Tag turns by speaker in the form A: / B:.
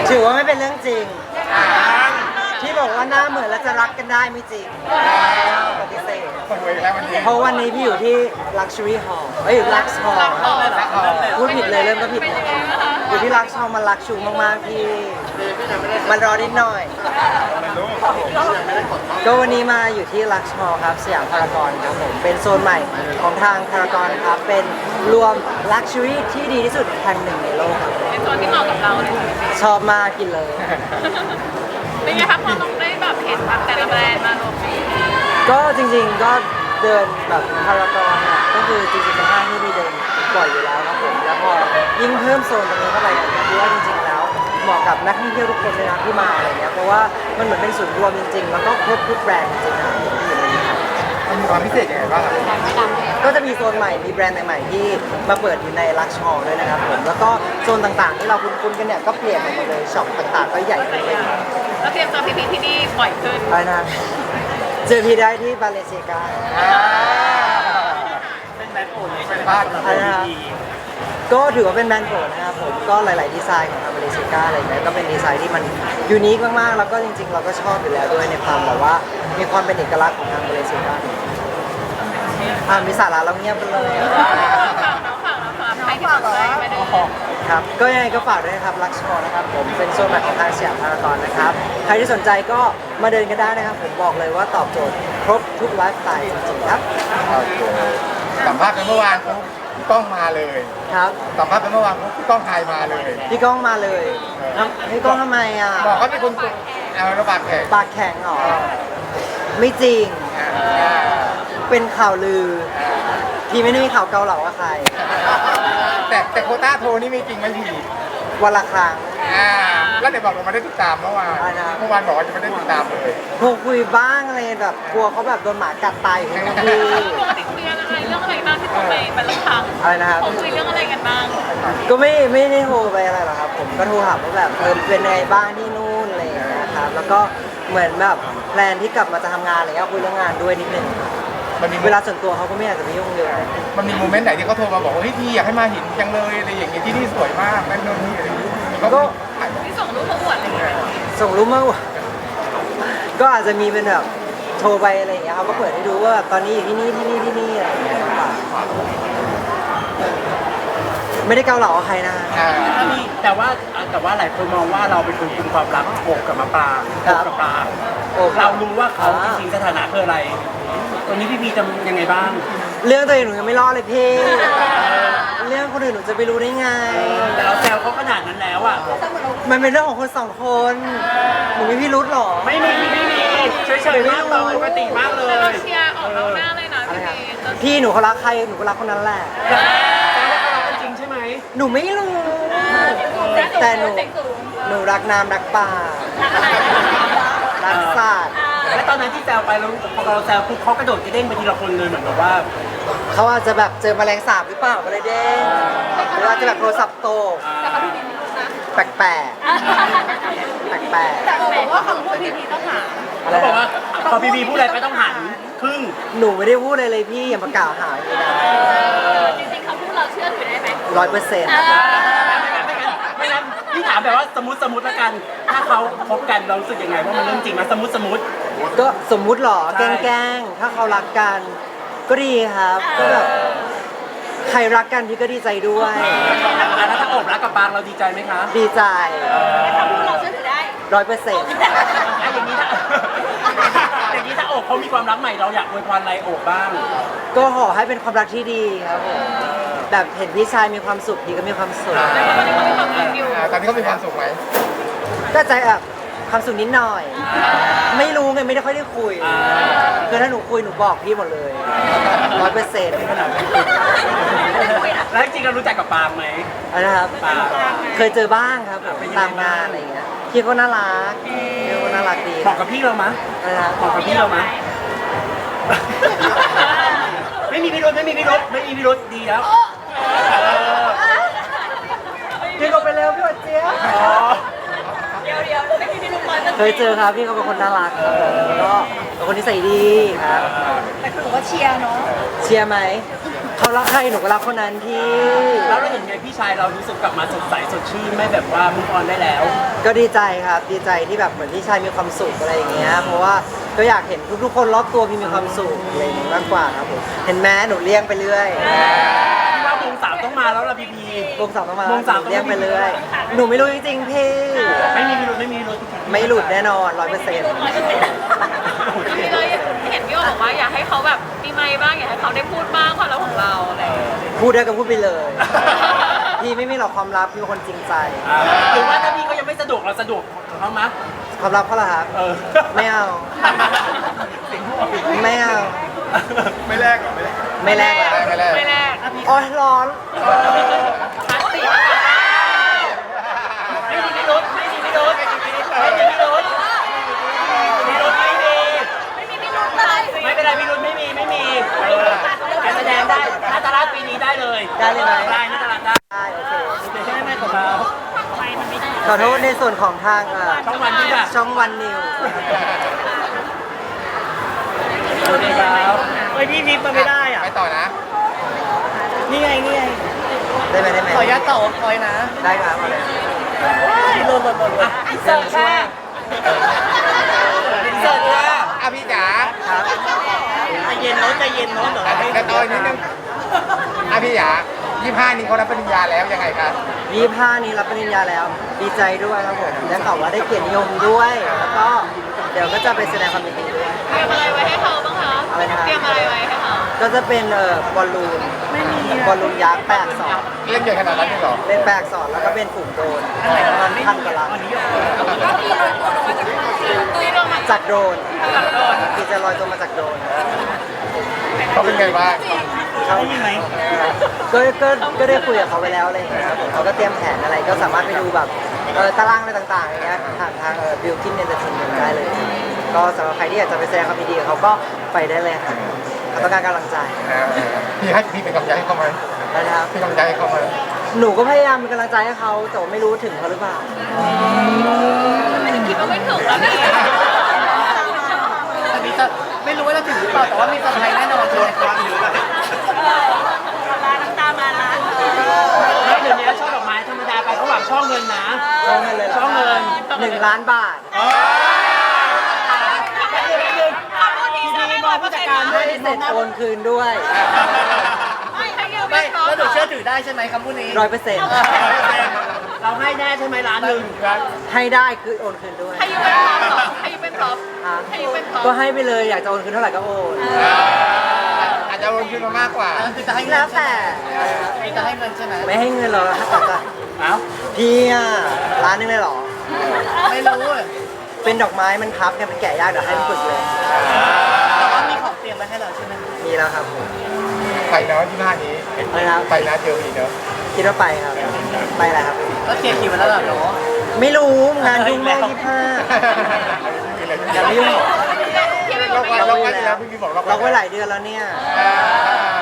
A: ถือว่าไม่เป็นเรื่องจริงที่บอกว่าหน้าเหมือนแล้วจะรักกันได้ไม่จริงปฏิเสธ
B: คนรวยแล้ววันนี้
A: เพราะวันนี้พี่อยู่ที่ Luxury Hall Lux Hall พูดผิดเลยเริ่มก็ผิดเลยอยู่ที่ Lux Hall มันลักชูมากๆพี่มันรอนิดหน่อย ก็วันนี้มาอยู่ที่ Lux Hall ครับสยามพารากอนครับผมเป็นโซนใหม่ของทางพารากอนครับเป็นรวม Luxury ที่ดีที่สุดแห่งหนึ่งในโลกครับ
C: เป็นโซนที่เหมาะกับเราเลย
A: ชอบมากกินเลย
C: เป็นไงคะพอต้องได้แบบเห็นแบบแต่ละแบรนด์มารวมกัน
A: ก็จริงๆก็เดินแบบพารากอนเนี่ยก็คือจริงๆเป็นห้างที่มีเดินบ่อยอยู่แล้วครับผมแล้วพอยิ่งเพิ่มโซนตรงนี้เข้าไปเนี่ยคิดว่าจริงๆแล้วเหมาะกับนักท่องเที่ยวทุกคนเลยนะที่มาอะไรเงี้ยเพราะว่ามันเหมือนเป็นศูนย์รวมจริงๆแล้วก็ครบทุกแบรนด์จริงๆนะที่อยู่ในนี้ครับ
B: มันมีความพิเศษยังไงบ้างครับ
A: ก็จะมีโซนใหม่มีแบรนด์ใหม่ๆที่มาเปิดอยู่ในลักชัวร์ด้วยนะครับผมแล้วก็โซนต่างๆที่เราคุ้นๆกันเนี่ยก็เปลี่ยนไปหมดเลยช็อปต่างๆก็ใหญ่ขึ้นไปหมด
C: แล้วเตรียมเจอพี่ๆที่นี่บ่อยขึ้น
A: ไปนะเจอพี่ได้ที่บาเลเซียกา
B: เป็นแบรนด์โปรดเป็นบ้านของ
A: อะไรนะครับก็ถือว่าเป็นแบรนด์โปรดนะครับผมก็หลายๆดีไซน์ของทางบาเลเซียกาอะไรเงี้ยก็เป็นดีไซน์ที่มันยูนิคมากๆแล้วก็จริงๆ เราก็ชอบอยู่แล้วด้วยในความแบบว่ามีความเป็นเอกลักษณ์ของทางบาเลเซียกามีสาระแล้วเงียบไปเลย
C: ฝากใครที่สนใจไปเดิน
A: ครับก็ยังไงก็ฝากด้วยนะครับลักชัวร์นะครับผมเป็นโซนใหม่ของทางสยามพารากอนนะครับใครที่สนใจก็มาเดินกันได้นะครับผมบอกเลยว่าตอบโจทย์ครบทุกไลฟ์สไตล์จริงๆครับ
B: สัมภาษณ์กันเมื่อวานเขากล้องมาเลย
A: ครับ
B: สัมภาษณ์กันเมื่อวานเขากล้องถ่ายมาเลย
A: พี่ก้องมาเลยพี่ก้องทำไมอ่ะ
B: บอกเขาเป็นคนเอาระบาดแขก
A: ปากแข็งเหรอไม่จริงเป็นข่าวลือพี่ไม่ได้มีข่าวเกาเหลากับใคร
B: แต่โควต้าโทรนี่ไม่จริงไม่ผี
A: วันละครั้ง
B: แล้วเดี๋ยวบอกเราไม่ได้ติดตามเมื่อวาน
A: อะไรนะ
B: เมื่อวานบอกว่าจะไม่ได้ติดตามเลย
A: โทรคุยบ้างอะไรแบบกลัวเขาแบบโดนหมากัดตายอยู่ที่นู่นพี่
C: ปกติคุยกันอะไรเรื่องอะไรบ้างที่โทรไปแต่ละครั้ง
A: อะไรนะครับ
C: เขาคุยเรื่องอะไรกันบ้าง
A: ก็ไม่ได้โทรไปอะไรหรอกครับผมก็โทรถามว่าแบบเป็นไงบ้างที่นู่นอะไรอย่างเงี้ยครับแล้วก็เหมือนแบบแพลนที่กลับมาจะทำงานอะไรเงี้ยคุยเรื่องงานด้วยนิดนึง
B: มันมี
A: เวลาส่วนตัวเขาก็ไม่อยากจะไปยุ่งเยอะ
B: มันมีโมเมนต์ไหนที่เขาโทรมาบอกว่าเฮ้ยพี่อยากให้มาเห็นจังเลยอะไรอย่างเงี้ยที่นี่สวยมากนั่นโน่นนี่อะไรอย่างเงี้ยเขาก็ถ่ายมา
C: ที่ส่งรูปเขาอวดอะไรอย่างเงี้ย
A: ส่งรูปมาว่าก็อาจจะมีเป็นแบบโทรไปอะไรอย่างเงี้ยเขาก็เปิดให้ดูว่าแบบตอนนี้อยู่ที่นี่อะไรอย่างเงี้ยไม่ได้เกาเหลากับใครนะ
D: แต่ว่าหลายคนมองว่าเราเป็นคนคุมความรักโอบกับมะปรางโอบกับปราง
A: โอ้
D: เรารู้ว่าเขาจริงๆสถานะคืออะไรตอนนี้พี่พีจะยังไงบ้าง
A: เรื่องตัวเองหนูยังไม่รอดเลยพี่เรื่องคนอื่นหนูจะไปรู้ได้ไง
D: แต่เราแซวเขาขนาดนั้นแล้วอ่ะ
A: มันเป็นเรื่องของคนสองคนหนูไม่พี่รุธหรอ
D: ไม่มีเฉยๆมากเราปกติมากเล
C: แต่เรา
D: ย
C: เชียร์ออกนอกหน้าเลยนะพี่
A: พี่หนูเขารักใครหนูก็รักคนนั้นแหละ
D: แต่ว่าเขารักกันจริงใช่ไหม
A: หนูไม่รู้แต่หนูรักน้ำรักป่ารักสัตว์
D: และตอนนั้นที่แซวไปแล้วพอเราแซวปุ๊บเขากระโดดกระเด้งไปทีละคนเลยเหมือนแบบว่า
A: เขาอาจจะแบบเจอแมลงสาบหรือเปล่าก็เลยเด้งหรืออาจจะแบบโทรศัพท์โตกแปลกๆ
C: แต่บอกว่าคำพูดพีต้องหา
D: เขาบอกว่าพอพีพีพูดอะไรไปต้องหันครึ่ง
A: หนูไม่ได้พูดอะไรเลยพี่อย่ามากล่าวหาอย่างนี้นะ
C: จริงๆคำพูดเราเชื่อถือได้ไหม
A: 100%
D: ไม่งั้นพี่ถามแบบว่าสมมติละกัน ถ้าเขาคบกันเรารู้สึกยังไงว่ามันเรื่องจริงไหมสมมติ
A: ก็สมมุติหรอ
D: ใช่
A: แกล้งๆถ้าเขารักกันก็ดีครับก็แบบใครรักกันพี่ก็ดีใจด้วย
D: แล้วถ้าโอบรักกับปางเราดีใจไหมคะ
A: ดีใจ
C: คำพูดเราเชื่อถือได้
A: 100%
D: อย่างนี้ถ้าโอบเขามีความรักใหม่เราอยากอวยพรอะไรโอบบ้าง
A: ก็ขอให้เป็นความรักที่ดีครับผมแบบเห็นพี่ชายมีความสุขพี่ก็มีความสุข
C: ตอนนี้เขามีความสุขอยู่
B: ตอนนี้เขามีความสุขไหม
A: ก็ใจแบบความสุขนิดหน่อย ไม่รู้ไงไม่ได้ค่อยได้คุยคือถ้าหนูคุยหนูบอกพี่หมดเลย100%
D: แล้วจริงๆเรารู้จักกับปางไหม
A: นะครับ
D: ปาง
A: เคยเจอบ้างครับผมตามงานอะไรอย่างเงี้ยพี่ก็น่ารักพี่ก็น่ารักดี
D: บอกกับพี่เรามะ
A: นะครับ
D: บอกกับพี่เรามะไม่มีพิรุธดีแล้ว
A: พี่ก็ไปเร็วพี่หวัดเจี๊ยบ
C: เดี๋ยวไม่มีลูกบอล
A: เคยเจอครับพี่เขาเป็นคนน่ารักครับผมแล้วก็เป็นคนนิสัยดีครับ
C: แต่คือว่าเชียร์เนาะ
A: เชียร์ไหมเขาเขารักใครหนูก็รักคนนั้นพี่
D: แล้วเราเห็นไงพี่ชายเรารู้สึกกลับมาสดใสสดชื่นไม่แบบว่ามุกออนได้แล้ว
A: ก็ดีใจครับดีใจที่แบบเหมือนพี่ชายมีความสุขอะไรอย่างเงี้ยเพราะว่าก็อยากเห็นทุกๆคนรอบตัวพี่มีความสุขอะไรอย่างงี้มากกว่าครับผมเห็นแม้หนูเลี้ยงไปเรื่อย
D: พี่ว่าวงสามต้องมาแล้วล่ะพี่พี
A: วงสามต้องมา
D: วงสาม
A: หนูเลี้ยงไปเรื่อยหนูไม่รู้จริงๆพี่
D: ไม่มีพิรุธไม่มีพิรุธ
A: ไม่หลุดแน่นอน 100%
C: พี่เลยเห็นพี่โอบอกว่าอยากให้เขาแบบมีไมค์บ้างอยากให้เขาได้พูดบ้างความลับของเราอะไรอย่างเงี้ย
A: พูดได้ก็พูดไปเลย พี่ไม่มีหรอกความลับพี่เป็นคนจริงใจ
D: หรือว่าถ้าพี่เขายังไม่สะดวกเราสะดวกของเขามั้ย
A: ความลับเขาเหรอครับ
D: เออ
A: ไม่เอา ไม่เอา
B: ไม่แลกหรอไม่แลก
A: ไม่แลก
B: ไม่แลก
C: ไม่แรก
A: โอ้ยร้อน
C: พลาสติก
D: ไม่มีพิรุธไม่มีพิรุธไม่มีพิรุธไม่มีพิรุธไม่มี
C: ไม่มีพิรุธเลย
D: ไม่เป็นไรพิรุธไม่มีการแสดงได้นาตาลาดปีนี้ได้เลย
A: ได้เลยไหม
D: ได้นาตาลาดได้
A: ได้โอเค
D: โอเคใช่ไหมของเรา
C: ไมค์มันไม่ได้
A: ขอโทษในส่วนของทาง
D: ช่องวันที่แบบ
A: ช่องวันนิว
D: โอเคครับ
A: เฮ้ยพี่นิฟมันไม่ได้อ่ะ
B: ไปต่อนะ
A: นี่ไงนี่ไงได้ไหมได้ไหมขอยัดต่อคอยนะ ได้ครับเอาเลยหล่นอ่ะ
D: เสิร์ฟค่ะเสิร์ฟค่ะ
B: อ่ะพี่จ๋า
A: ครับ
D: ใจเย็นโน้ตใจเย็นโน้ตเหรอ
B: แต่ต่ออีกนิดนึงอ่ะพี่จ๋า25นี้เขารับปริญญาแล้วยังไงครับ
A: 25นี้รับปริญญาแล้ว ดีใจด้วยครับผมได้ข่าวว่าได้เกียรตินิยมด้วย แล้วก็เดี๋ยวก็จะไปแสดงความยินดีด้วย
C: เตรียมอะไรไว้ให้เขาบ้างคะ
A: อะไรนะครับ
C: เตรียมอะไรไว้ให้เขา
A: ก็จะเป็นบอลลูนบอลลูนยักษ์แปลกสอน
B: เล่นใหญ่ขนาดนั้นเลยเหรอ
A: เป็นแปลกสอนแล้วก็เป็นฝูงโดรนประมาณพันกว่าลำ
C: ตุยลงมา
A: จากโดรนคือจะลอยตัวมาจากโดรน
B: เขาเป็นไงบ้าง
A: เขาก็ได้คุยกับเขาไปแล้วอะไรอย่างเงี้ยครับผมเขาก็เตรียมแผนอะไรก็สามารถไปดูแบบตารางอะไรต่างๆอย่างเงี้ยผ่านทางบิลกินเอนเตอร์เทนเมนต์ได้เลย ก็สำหรับใครที่อยากจะไปแสดงความยินดีกับเขาก็ไปได้เลยครับเขาต้องการกำลังใจ
B: พี่เป็นกำลังใจให้เขาไหม
A: นะครับ
B: เป็นกำลังใจให้เขาไหม
A: หนูก็พยายามเป็นกำลังใจให้เขาแต่ว่าไม่รู้ถึงเขาหรือเปล่า
C: คิดว่าไม่ถึงแล้วเนี่ย
A: ไม่รู้ว่าจะถึงหรือเปล่าแต่ว่ามีเซอร์ไพรส์แน่นอนเลยครับ
C: น้ำตามาละ
D: แล้วเดี๋ยวนี้ช่อดอกไม้ธรรมดาไปเขาหวังช่อเงินนะ
A: ช่องเงินเลย
D: ช่อเงิน
A: 1 ล้านบาท
D: พี่พีบอกผู้จัดการ
A: ให้เสร็จโอนคืนด้วย
C: ให้ยืมไม่พร้อม
E: แล้วหนูเชื่อถือได้ใช่ไหมคำพูดนี้
A: 100%
D: เราให้แน่ใช่ไหมล้านหนึ่ง
A: ให้ได้คือโอนคืนด้วย
C: ให้ยืมเป็นพร้อมเหรอให้ยืมเป็นพร้อม
A: ฮะ
C: ให้ยืมเป็นพร้อม
A: ก็ให้ไปเลยอยากจะโอนคืนเท่าไหร่ก็โอน
B: อาจจะลงทุนมามากกว่า
E: คือจะให้เงิ
A: แล้
E: น
A: ว
E: ใช่
A: แต่
E: ไหมคือจะให้เงินใช่ไหม
A: ไม่ให้เงินเราแต่จะ
D: เอ้า
A: พี่อ่ะร้านนึงเลยเหรอ
E: ไม่รู้เลย
A: เป็นดอกไม้มันพับกันเป็นแกะยากเดี๋ยวให้มันฝึกเลย
E: แต่ว่ามีของเตรียมไว้ให้เราใช่ไหม
A: มีแล้วครับผม
B: ไปเนาะ25นี้
A: ไปครับ
B: ไปนะเจอมีเนาะ
A: คิดว่าไปครับ ไปแหละครับ
E: ก็เคลียร์คิวมาแล้วเหรอเนาะ
A: ไม่รู้งานยุ่งมาก25อย่ามายุ่ง
C: พี่ไม่บ
B: ล็
C: อ
B: อก ก
C: ไม่
B: ไว้
C: รู้
B: ล็อกไว้แล้วพี่บอกล็อก
A: ล็อกไว้หลายเดือนแล้วเนี่ย
B: อ่า